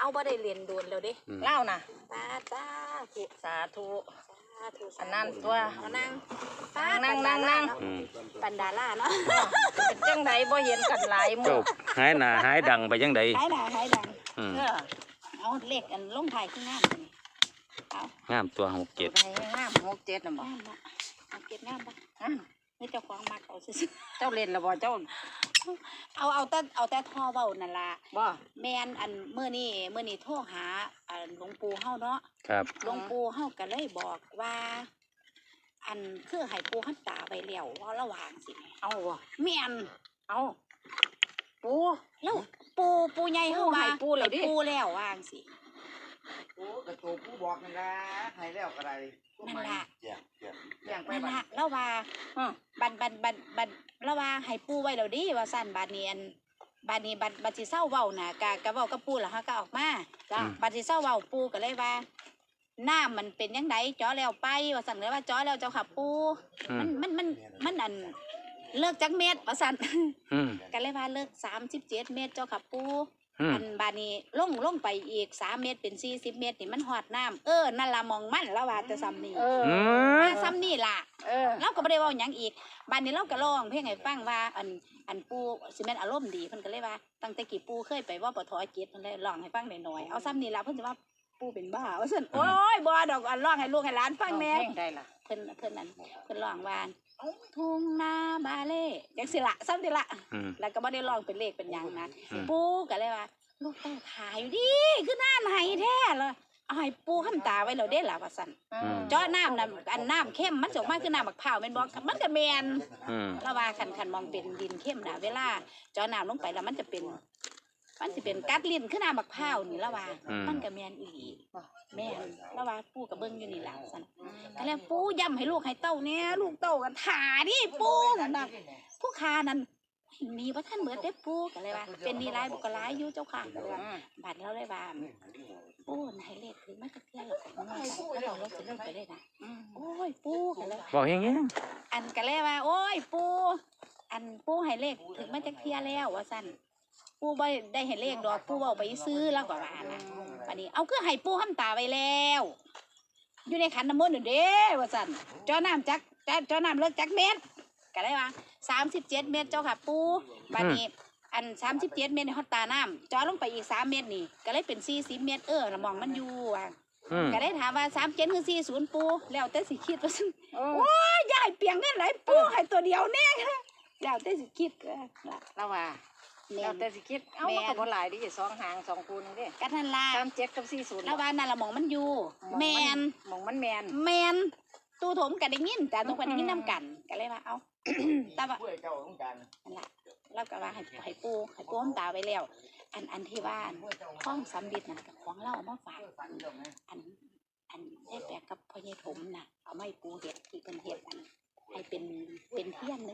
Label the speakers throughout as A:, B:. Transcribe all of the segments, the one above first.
A: เอาบ่ได้เรียนโดนแล้วเด้
B: เล่านะ
A: สาธุ
B: สาธุ
A: อั
B: นนั้นตัว
A: นั่ง
B: นั่ง
A: ปันดาล่าเนาะ
B: เป็นจังไดบ่เห็นกันหลายมื้อ
C: หายหน้าหายดังไปจังได
A: หายดังเอาเลขอันลงท้ายขึ้นงามนี่เอา
C: งามตัว67
B: งาม67น่ะบ่
A: เอาเก็บงามบ่นี่เจ้าของมักเอาซื่อ
B: เจ้าเล่นแล้วบ่เจ้า
A: เอาแต่ท่อเว้านั่นล่ะ
B: บ่
A: แม่นอันมื้อนี้โทรหาหลวงปู่เฮาเนาะ
C: ครับ
A: หลวงปู่เฮาก็เลยบอกว่าอันคือให้ปู่หันตาไปแล้วว่าระหว่างสิ
B: เอาบ่
A: แม่น
B: เอาปู่
A: แล้วปู่ใหญ่เฮาว่า
B: ปู่แล้วดิ
A: ปู่แล้วว่างสิ
D: ปู่กระตัวปู่บอกนั่นล่ะให้แล้วก็ได้
A: นั่นล่ะ
D: อย่างไป
A: นั่นล่ะแล้วว่าบัดแล้วว่าให้ปู่ไว้แล้วดิว่าซั่นบัดนี้บัดสิเซาเว้าน่ะกะเว้ากับปู่แล้วเฮาก็ออกมาจ้ะบัดสิเซาเว้าปู่ก็เลยว่าน้ำมันเป็นยังไงจ้อแล้วไปว่าสั่นเลยว่าจ้อแล้วเจ้าค่ะปูมันอันเลิกจักเม็ดว่าสั่นกันเลยว่าเลิก37 เม็ดเจ้าค่ะปูอันบานี้ลงไปอีก3 เม็ดเป็น40 เม็ดนี่มันหอดน้ำนั่นละมองมันแล้วว่าจะซ้ำนี่ซ้ำนี่ล่ะเราก็ไม่ได้ว่าอย่างอีกบานี้เราก็ร้องเพลงให้ฟังว่าอันปูสิแม่นอารมณ์ดีเพิ่นก็เลยว่าตั้งแต่กี่ปูเคยไปว่าปทเจ็ดเพิ่นเลยร้องให้ฟังหน่อยเอาซ้ำนี่ล่ะเพิ่นจะว่าปูเป็นบ้าว่าซั่นโอ้ยบ่ดอกอันร้องให้ลูกให้หลานฟังแน่
B: ได้ล่ะ
A: เพิ่นนั่นเพิ่นร้องว่าทุ่งนาบาเล่จังสิละซ้ำสิละแล้วก็บ่ได้ร้องเป็นเลขเป็นหยังนะปูก็เลยว่าลูกต้องถ่ายอยู่ดิคือหน้าไหนแท้เลยเอาให้ปูค้ำตาไว้แล้วเด้ล่ะว่าซั่นเจาะน้ำน่ะอันน้ำเข้มมันสิออกมาคือน้ำบักพร้าวแม่นบ่มันก็แม่นแล้วว่าคันมองเป็นดินเข้มน่ะเวลาเจาะน้ำลงไปแล้วมันจะเป็นกัดลิ้นขึ้นน้ำบักพร้าวนี่ละว่ามันก็แม่นอีหลีแม่นละว่าปู่กับเบิ้งอยู่นี่ล่ะสั่นก็แล้วปู่ย้ำให้ลูกให้เต้าเนี่ยลูกเต้ากันถ่าดิปู่สั่นน่ะผู้ค้านั้นมีว่าท่านเบิดเด้ปู่ก็เลยว่าเป็นดีหลายบุกหลายอยู่เจ้าค่ะก็เลยว่าบัดแล้วเลยว่าปู่ให้เลขถึงมาจักเที่ยแล้วเราสิเลิกไปเลยนะโอ้ยปู่ก็เลย
C: บอกอย่างงี้
A: อันก็เลยว่าโอ้ยปู่ให้เลขถึงมาจักเที่ยแล้วว่าสั่นปู่บ่ได้เห็นเลขดอกปู่เอาไปซื้อแล้วก็ว่านะวันนี้เอาคือให้ปู่ค้ำตาไว้แล้วอยู่ในขันน้ำมนต์เด้ว่าสั่นเจ้าน้ำเลิกจักเม็ดก็ได้ว่า37 เม็ดเจ้าค่ะปู่บัดนี้อัน37 เม็ดในฮอตตาน้ำจ่อลงไปอีก3 เม็ดนี่ก็เลยเป็น40 เม็ดละมองมันอยู่ว่ะก็ได้ถามว่า37คือ40ปู่แล้วแต่สิคิดว่าซั่นโอ้ยยายเปียงเงินหลายปู่ให้ตัวเดียวแน่แล้วแต่สิคิดก็
B: แล้วว่าแล้วแต่สิคิดเอามันก็บ่หลายดิ2 หาง2 คูณนี่
A: ก็นั่นล่ะ
B: 37กับ40
A: แล้วว่านั่นละมองมันอยู่แม่น
B: มองมันแม่น
A: ตู้ถมก็ได้ยินแต่ทุกคนได้ยินนำกันก็เลยว่าเอาแต่ว่านั่นล่ะแล้วก็ว่าให้ปูน้ำตาไว้แล้วอันที่ว่าห้องสำบิดนั่นกับของเราเอามาฝากอันได้แปลกกับพ่อใหญ่ถมน่ะเอาไม่ปูเห็ดที่เป็นเห็ดอันให้เป็นเที่ยง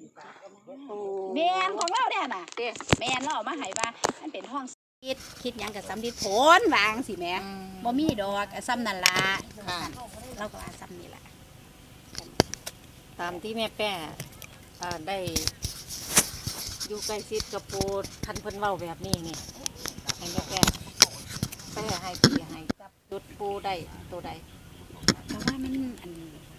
A: 107แมนของเราเนี่ยน่ะแมนเราเอามาให้ว่ามันเป็นห้องคิดยังกับสำบิดผลวางสิแม่บ่มีดอกซ้ำนั่นล่ะเราก็ว่าซ้ำนี่แหละ
B: ตามที่แม่แป้ได้อยู่ใกล้ชิดกับปูทันเพิ่นเว้าแบบนี้นี่ให้แม่แป้ให้พี่ให้จับจุดปูได้ตัวใด
A: แต่ว่ามันอัน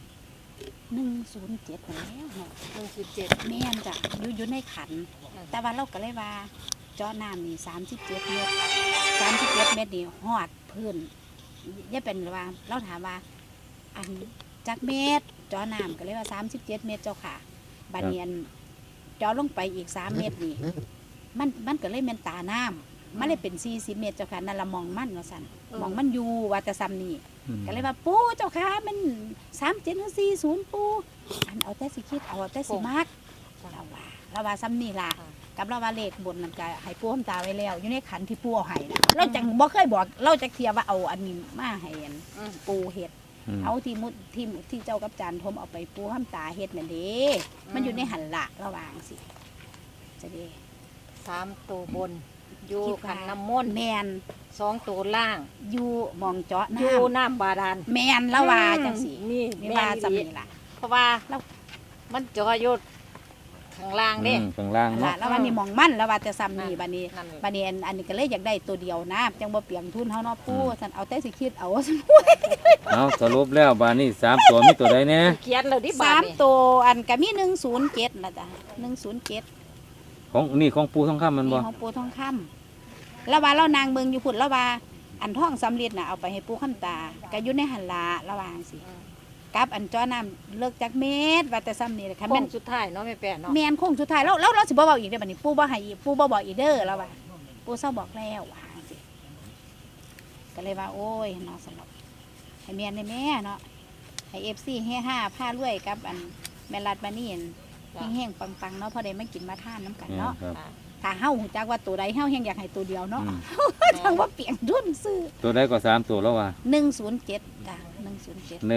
A: 107แล้วเนาะ
B: 107
A: แม่นจ้ะอยู่ในขันแต่ว่าเราก็เลยว่าเจาะน้ำนี่37 เม็ด37 เม็ดนี่ฮอดพื้นอย่าเป็นว่าเราถามว่าอันจักเม็ดเจาะน้ำก็เลยว่า37 เม็ดเจ้าค่ะบัดนี้เจาะลงไปอีก3 เม็ดนี่มันก็เลยเป็นตาน้ำมันเลยเป็น40 เม็ดเจ้าค่ะนั่นละมองมันว่าซั่นมองมันอยู่ว่าแต่ซ้ำนี่ก็เลยว่าปู่เจ้าค่ะมัน37 หรือ40ปู่อันเอาแต่สิคิดเอาแต่สิมักเราว่าซ้ำนี่ล่ะกับเราว่าเลขบนนั่นก็ให้ปู่ค้ำตาไว้แล้วอยู่ในขันที่ปู่เอาให้นะเราจังบ่เคยบอกเราจะเคลียร์ว่าเอาอันนี้มาให้ปู่เฮ็ดเอาที่เจ้ากับจานทมเอาไปปู่ค้ำตาเฮ็ดนั่นเด้มันอยู่ในหันละระวางสิจะดี
B: 3 ตัวบนอยู่ขันน้ำมนต์
A: แมน
B: 2 ตัวล่าง
A: อยู่มองเจาะน้ำ
B: อยู่น้ำบาดาล
A: แมนละว่าจังสิ
B: นี่
A: ว่าจำนี่ล่ะ
B: เพราะว่ามันเจาะอยู่ข้างล่างเด้
C: ข้างล่าง
A: ล่ะ
C: เนาะ
A: แล้ววันนี้มองมั่นแล้วว่าจะซ้ำนี่บัดนี้
B: นั่นแหละ
A: บัดนี้อันนี้ก็เลยอยากได้ตัวเดียวนะจังบ่เปลียงทุนเฮาเนาะปู่ซั่นเอาแต่สิคิดเอา
C: เอาสรุปแล้วบานนี้3ตัวมีตัวใดแน่
B: เขียนแล้วดิบาทนี่
A: 3ตัวอันก็มี107น่ะจ้ะ107
C: ของปูทองคำมันบ่
A: นี่ของปู่ทองคำแล้วว่าเรานางเบิ่งอยู่พุ่นแล้วว่าอันทองสำริดน่ะเอาไปให้ปู่คำตาก็อยู่ในหันละระหว่างสิกับอันจ้อน้ำเลิกจากเม็ดว่าแต่ซ้ำนี่แหละค่ะ
B: โค้
A: แม่
B: ง
A: น
B: สุดท้ายเนาะแม่แป้เนาะ
A: แม่นคงสุดท้ายแล้วเราสิบ่เว้าอีกเด้อบัดนี้ปู่บ่ให้อีกปู่บ่บอกอีกเด้อแล้วว่าปู่เซาบอกแล้วว่าจังซี่ก็เลยว่าโอ้ยเนาะสำหรับให้แม่นได้แม่เนาะให้ FC เฮฮาพารวยกับอันแม่รัดมานี่แห้งๆปังๆเนาะพอได้มากินมาทานน้ำกันเนาะ
C: ครับ
A: ถ้าเฮาฮู้จักว่าตัวใดเฮาแฮงอยากให้ตัวเดียวเนาะ
C: อืม
A: จังว่าเปลี่ยนทุนซื้อ
C: ตัวใดก็3ตัวแล้วว่า
A: 107จ้ะ107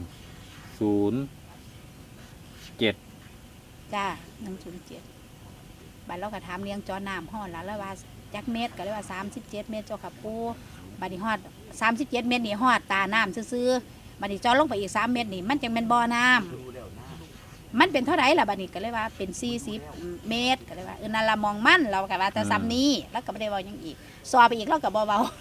C: 107
A: จ้า107บัดเราก็ถามเลี้ยงจอน้ำฮอดแล้วว่าจักเม็ดก็เลยว่า37 เม็ดเจ้าค่ะปู่บัดนี้ฮอด37 เม็ดนี่ฮอดตาน้ำซื่อๆบัดนี้จอลงไปอีก3 เม็ดนี่มันจังแม่นบ่อน้ำมันเป็นเท่าไหร่ล่ะบัดนี้ก็เลยว่าเป็น40 เมตรก็เลยว่านั่นละมองมันเราก็ว่าแต่ซ้ำนี้แล้วก็บ่ได้เว้าหยังอีกซอไปอีกเราก็บ่เว้า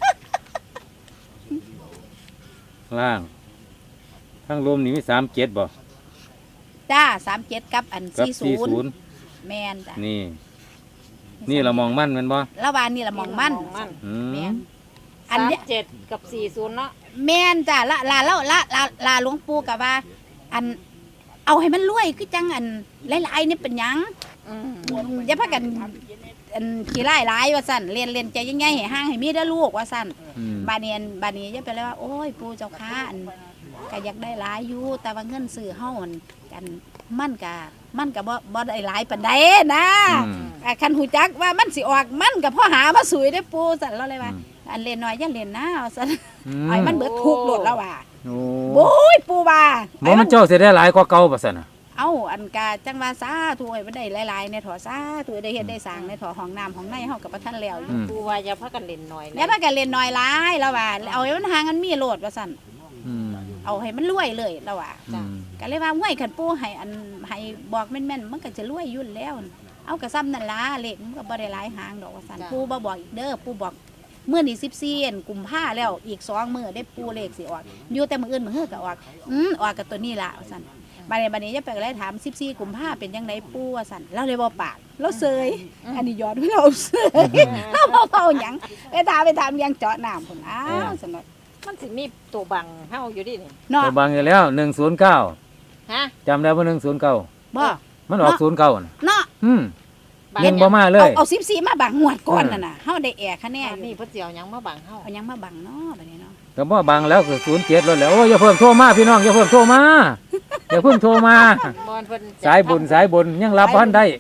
C: ล่างทั้งรวมนี่มี37บ่
A: จ้า37กับอัน
C: กับ
A: 40แม่นจ้ะ
C: นี่ นี่เรามองมั่นแมันบ่
A: แล้วว่านี่ละมองมัน
C: อื
A: แม่
C: ม
A: นอันเนี้ย
B: 37กับ40เนาะ
A: แม่นจ้ะละหลวงปู่กับว่า อันเอาให้มันรวยคือจังอันหลายๆนี่เป็นหยัง
B: อืม
A: อย่าพากันอันขี้ไล่หลายว่าสั่นเรียนใจยังไงให้ห่างให้มีเด้อลูกว่าสั่น
C: อืม
A: บาเนียนบานี้จะไปเลยว่าโอ้ยปู่เจ้าค้าอันก็อยากได้หลายอยู่แต่ว่าเงินซื้อเฮาอันกันมันก็บ่ได้หลายปานใดนะ
C: อืม
A: คันหูจักว่ามันสิออกมันก็พ่อหามาสวยได้อปู่สั่นเราเลยว่า อันเล่นน้อยอย่าเล่นนะว่าสั่นไอ้มันเบิดทุกข์โลดแล้วว่า
C: โอ้
A: โอ้ยปู่ว่า
C: บ่มันเจ้าสิได้หลายกว่าเก่าบ่ซั่นน่ะ
A: เอ้าอันกาจังว่าสาธุให้มันได้หลายๆในถอสาธุได้เฮ็ดได้สร้างในถอห้องน้ำห้องในเฮากับบ่ทันแล้วอยู่
B: ปูว่าอย่าพากันเล่นหน่อย
A: อย่าพากันเล่นน้อยหลายแล้วว่าเอาให้มันห่างกันมีโลดว่าซั่น
C: อืม
A: เอาให้มันรวยเลยแล้วว่า
C: อืม
A: ก็เลยว่าห้วยคันปู่ให้อันให้บอกแม่นๆมันก็จะรวยอยู่แล้ว เอากระซ้ำนั่นล่ะเลขมันก็บ่ได้หลายหางดอกว่าซั่นปู่บ่บอกอีกเด้อปู่บอกมื้อนี้14กุมภาแล้วอีก2มื้อได้ปู่เลขสิออกอยู่แต่มื้ออื่นมื้อก็ออกออกกับตัวนี้ล่ะว่าซั่นบัดนี้จะไปก็เลยถาม14กุมภาเป็นจังไดปู่ว่าซั่นเราเลยบ่ปากเราเซยอันนี้ยอดเราเซยเราบ่เว้าหยังไปถามยังเจาะน้ำพุ่นอ้าวซั่นเนาะ
B: มันสิมีตัวบังเฮาอยู่ดินี่
A: เนาะ
C: ตัวบางอยู่แล้ว109
B: ฮะ
C: จำได้บ่109
A: บ่
C: มันออก09น่ะ
A: เนาะ
C: อืมยังบ่มาเลย
A: เอา14มาบังงวดก่อนนั่นน่ะเฮาได้แอร์คะแน
B: แน่
A: น
B: นี่เพิ่นสิเอาหยังมาบังเฮา
A: เอาหยังมาบังเนาะบัดนี้เนาะ
C: ก็บ่บางแล้วก็07แล้วแหล้วโอ้ยอย่าเพิ่มโทรมาพี่น้องอย่าเพิ่มโทรมาอย่าเพิ่มโทรมา
B: บอนเพิ่น
C: สายบุญยังรับบ้านได้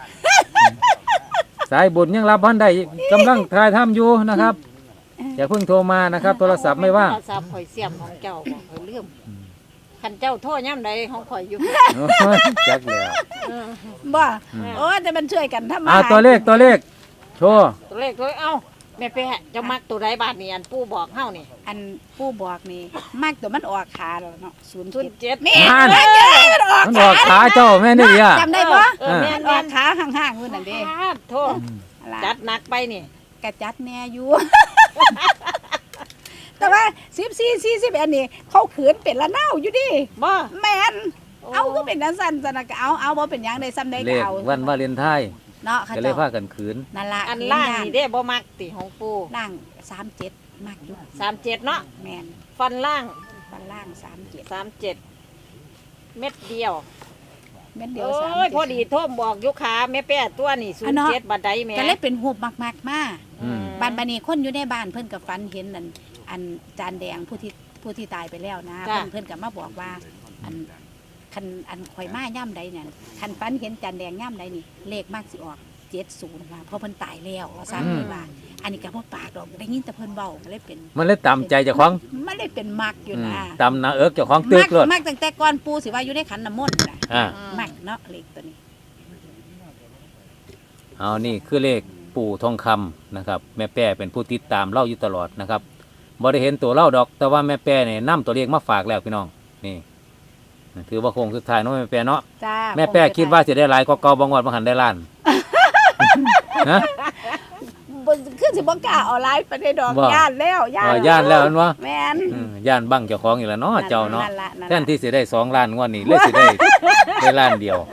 C: สายบุญยังรับบ้านได้กำลังถ่ายทำอยู่นะครับ อย่าเพิ่งโทรมานะครับ โทรศัพท์ไม่ว่าง
B: โทรศัพท์ข่อยเสียมของเจ้าบ่ข่อยลืมคันเจ้าโทรยามใดของข่อยอยู่
C: โอ้ยจักแล้ว
B: เออ
A: บ่โอ้แต่มันช่วยกันทำมา
C: ตัวเลขโชว์
B: ตัวเลขตัวเอ้าแม่แป้เจะมักตัวใดบาทนี่อันปู่บอกเฮานี่
A: อันผู้บอกนี่มากตัวมันออกขาแล้วเนาะ
B: 07
A: 07แม่
C: นั่น
A: มันออก
C: มันบอกขาเจ้าแม่นี่อ่ะ
A: จำได้บ่
B: เออแม่
A: มัน
B: น
A: ออกขาห่างๆนู่นนั่นเด้
B: โทษจัดหนักไปนี่
A: กระจัดแน่อยู่ แต่ว่า14 40อันนี้เขาขืนเป็นละนาวอยู่ดิ
B: บ่
A: แม่นเอาก็เป็นจังซั่นซั่นน่ะก็เอาบ่เป็นหยังได้ซ้ำได้
C: เล
A: ก็
C: ข
A: เอา
C: วันวาเลนไทน์
A: เนาะเขา
C: ก็เล
A: เจ้าย
C: พากันขืน
A: นั่นล่ะ
B: อันล่างนี่เด้บ่มักติของปู่
A: ล่าง37มากอยู่
B: 37เนาะ
A: แม่น
B: ฟันล่าง
A: ฟันล่าง37
B: 37 เม็ดเดียว
A: เม็ดเดียว
B: โอ้
A: 37
B: ยพอดีโทมบอกอยู่ขาแม่แป้ตัวนี่
A: อันเนาะ
B: 07บัดใดแม่
A: ก็เลยเป็นหูบมากๆมา
C: อืม
A: บ้านบานีคนอยู่ในบ้านเพิ่นกับฝันเห็นนั่นอันจานแดงผู้ที่ตายไปแล้วนะเพิ่นกับมาบอกว่าอันคันอันข่อยมาย่ำใดเนี่ยคันฝันเห็นจานแดงย่ำใดนี่เลขมากสิออก70ว่าเพราะเพิ่นตายแล้วว่าซั่นเลยว่า อันนี้ก็บ่ปากดอกได้ยินแต่เพิ่นเว้าก็เลยเป็น
C: มันเลยตามใจเจ้าของ
A: มันเลยเป็นมักอยู่นะ
C: ตามหนาเอิกเจ้าของตึกเลย
A: มักตั้งแต่ก่อนปู่สิว่าอยู่ในขันน้ำมนต์น่ะ
C: อ่า
A: มักเนาะเลขตัวนี้
C: เอานี่คือเลขปู่ทองคำนะครับ แม่แป้เป็นผู้ติดตามเล่าอยู่ตลอดนะครับบ่ได้เห็นตัวเล่าดอก แต่ว่าแม่แป้เนี่ยนำตัวเลขมาฝากแล้วพี่น้องนี่ถือว่าโค้งสุดท้ายเนาะแม่แป้เนาะ
A: จ้า
C: แม่แป้คิดว่าสิได้หลายกว่าเก่าบ่งวดบ่หันได้ล้านฮะ
A: บ่คือสิบ่กล้าเอาหลายไปได้ดอก
C: บ่
A: ย่านแล้วย่าน
C: ย่านแล้วแม่นบ่
A: แม่น
C: ย่านบังเจ้าของอีกแล้วเนาะเจ้าเนาะ
A: ล่นั่น
C: แทนที่สิได้2ล้านงวดนี้เลยสิได้ล้านเดียว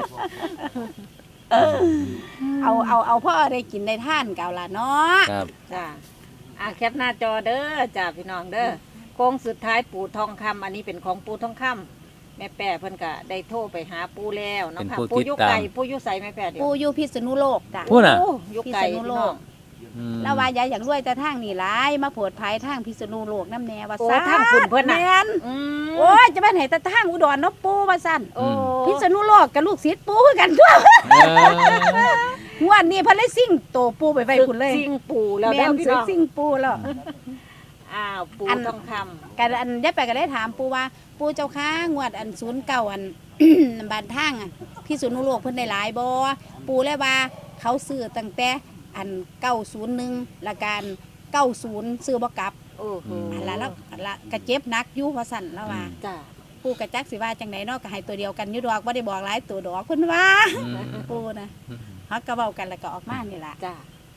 A: เอาพ่อได้กินได้ท่านเก่าล่ะเนาะ
C: ครับ
B: จ้าแคปหน้าจอเด้อจ้าพี่น้องเด้อโค้งสุดท้ายปู่ทองคำอันนี้เป็นของปู่ทองคำแม่แป้เพิ่นก็ได้โทรไปหาปู่แล้วเนาะค่ะปู่ยุไก่ปู่ยุใสแม่แป้เดี๋ยว
A: ปูอยู่พิษณุโลกจ้ะ
C: พูดน่ะ
B: โอ้ยุไก่
A: พิษณุ
B: พี่
A: โล
B: น้อก ง
A: แล้วว่ายายอยากรวยแต่ทางนี่หลายมาโผดภัยทางพิษณุโลกน้ำแน่ว่า
B: โอ้
A: ซ่า
B: ทางคุณเพิ่นน่ะ
A: แม่น
B: อืม
A: โอ้ยจะเป็นไหนแต่ทางอุดรเนาะปูว่าซั่น
B: โอ้
A: พิษณุโลกกับลูกศิษย์ปูคือกันทั่ว งวดนี้เพิ่นเลยซิ่งโตปูไปไว้พุ่นเลย
B: ซิงปู่แล้ว
A: แม่
B: เด้อน พี่
A: ซื้อ
B: น้อง
A: ซิ่งปูแล้ว
B: อ้าวปู่
A: อัน
B: ทองคำ
A: กันอันยายไปก็ได้ถามปูว่าปูเจ้าค้างวดอัน09อัน บ้านทางอันพิษณุโลกเพิ่นได้หลายบ่ปูเลยว่าเขาซื้อตั้งแต่อัน901ละกัน90ซื้อบ่กลับ
B: โอ้โห
A: อันละแล้วอันละก็เจ็บหนักอยู่ว่าซั่นแล้วว่า
B: จ้า
A: ปูกระจักสิว่าจังไดเนาะก็ให้ตัวเดียวกันอยู่ดอกบ่ได้บอกหลายตัวดอกเพิ่นว่าปูนะเฮาก็เว้ากันแล้วก็ออกมานี่ล่ะ
B: จ้า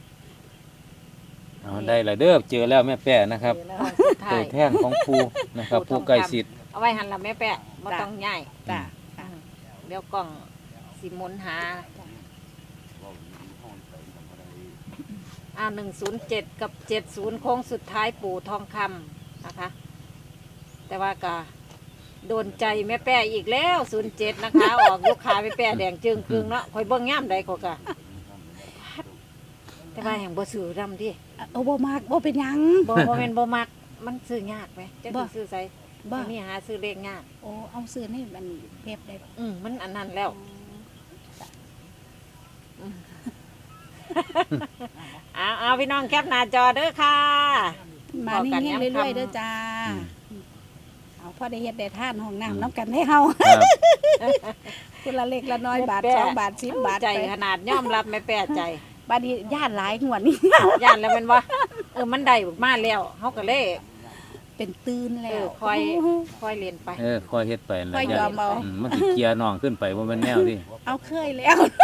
C: เอาได้ละเด้อเจอแล้วแม่แป้นะครับ
B: สุดท้า
C: ตัวย แท่งของปูนะครับปูไก่สิทธิ์
B: เอาไว้หันละแม่แปะบ่ต้องย้าย
A: จ้ะ
B: เดี๋ยวกล้องสิหมุนหา107 กับ 70 โค้งสุดท้ายปู่ทองคำนะคะ แต่ว่าก็โดนใจแม่แป้อีกแล้ว 07 นะคะ ออกลูกค้าแม่แป้แดงจึงครึ่งเนาะคอยเบิ่งย่ามใดก็กะแต่ว่าแห่งบ่ซื้อดำดิ
A: เอาบ่มากบ่เป็นหยัง
B: บ่แม่นบ่มักมันซื้อยากไหมจะ
A: บ่
B: ซื้อใส่
A: บ่
B: นี่หาซื้อเลขยาก
A: โอ้เอาซื้อในมันเว็บได้
B: มันอันนั้นแล้ว เอาพี่น้องแคปหน้าจอเด้อค่ะ
A: มานี่
B: บอกกัน
A: เฮง
B: ย้ำ
A: เรื่อย
B: คำ
A: ๆเด้อจ้าเอาพอได้เฮ็ดได้ทานห้องน้ำน้ำกันให้เฮา
C: ครับ
A: คนละเล็กละน้อยบาท
B: แม่แป้
A: 2 บาท10 บาท
B: ใจ
A: ไป
B: ขนาดยอมรับไม่แปลใจ
A: บัดนี้ญาติหลายงวดนี้
B: ย่านแล้วแมันว่ามันได้มาแล้วเฮาก็เลย
A: เป็นตื่นแล้ว
B: คอยเรียนไป
C: คอยเฮ็ดไปนะ
A: ค่อยยอมเอา
C: มันสิเกียร์น้องขึ้นไปบ่แม่นแนวที่
A: เอาเคยแล้ว